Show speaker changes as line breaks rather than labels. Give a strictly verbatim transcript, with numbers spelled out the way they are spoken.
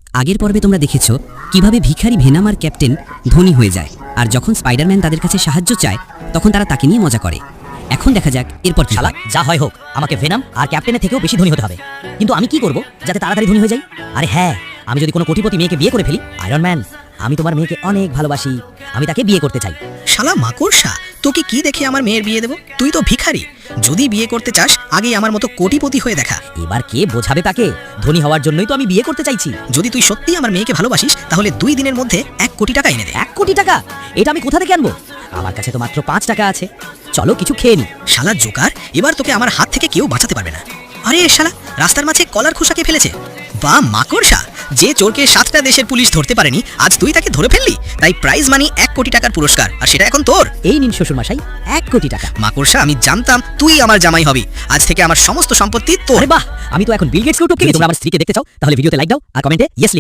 আগের পর্বে তোমরা দেখেছো কিভাবে ভিখারি ভেনাম আর ক্যাপ্টেন ধনী হয়ে যায়, আর যখন স্পাইডারম্যান তাদের কাছে সাহায্য চায় তখন তারা তাকে নিয়ে মজা করে। এখন দেখা যাক এরপর কি
শালা
হয়।
যা হয় হোক, আমাকে ভেনাম আর ক্যাপ্টেনের থেকেও বেশি ধনী হতে হবে। কিন্তু আমি কি করব যাতে তাড়াতাড়ি ধনী হয়ে যাই? আরে হ্যাঁ, আমি যদি কোনো কোটিপতি মেয়েকে বিয়ে করে ফেলি, আয়রন ম্যান, আমি তোমার মেয়েকে অনেক ভালোবাসি, আমি তাকে বিয়ে করতে চাই।
শালা মাকড়সা, তোকে কি দেখে আমার মেয়ের বিয়ে দেবো? তুই তো ভিখারি। যদি বিয়ে করতে চাস আগেই আমার মতো কোটিপতি হয়ে দেখা।
এবার কে বোঝাবে তাকে? ধনী হওয়ার জন্যই তো আমি বিয়ে করতে চাইছি।
যদি তুই সত্যি আমার মেয়েকে ভালোবাসিস তাহলে দুই দিনের মধ্যে এক কোটি টাকা এনে দে।
এক কোটি টাকা? এটা আমি কোথা থেকে আনবো? আমার কাছে তো মাত্র পাঁচ টাকা আছে। চলো কিছু খেয়ে নি।
শালা জোকার, এবার তোকে আমার হাত থেকে কেউ বাঁচাতে পারবে না। আরে শালা রাস্তার মাঝে কলার খোসাকে ফেলেছে। বা মাকড়সা, যে চোরকে সাতটা দেশের পুলিশ ধরতে পারেনি আজ তুই তাকে ধরে ফেললি। তাই প্রাইজ মানি এক কোটি টাকার পুরস্কার, আর সেটা এখন তোর।
এই নিন শ্বশুর মশাই, এক কোটি টাকা।
মাকড়সা, আমি জানতাম তুই আমার জামাই হবি। আজ থেকে আমার সমস্ত সম্পত্তি তোর।
আরে বাহ, আমি তো এখন বিল গেটসকেও টপকে গেছি। তোমরা আমার স্ত্রীকে দেখতে চাও তাহলে ভিডিওতে লাইক দাও আর কমেন্টে ইয়েস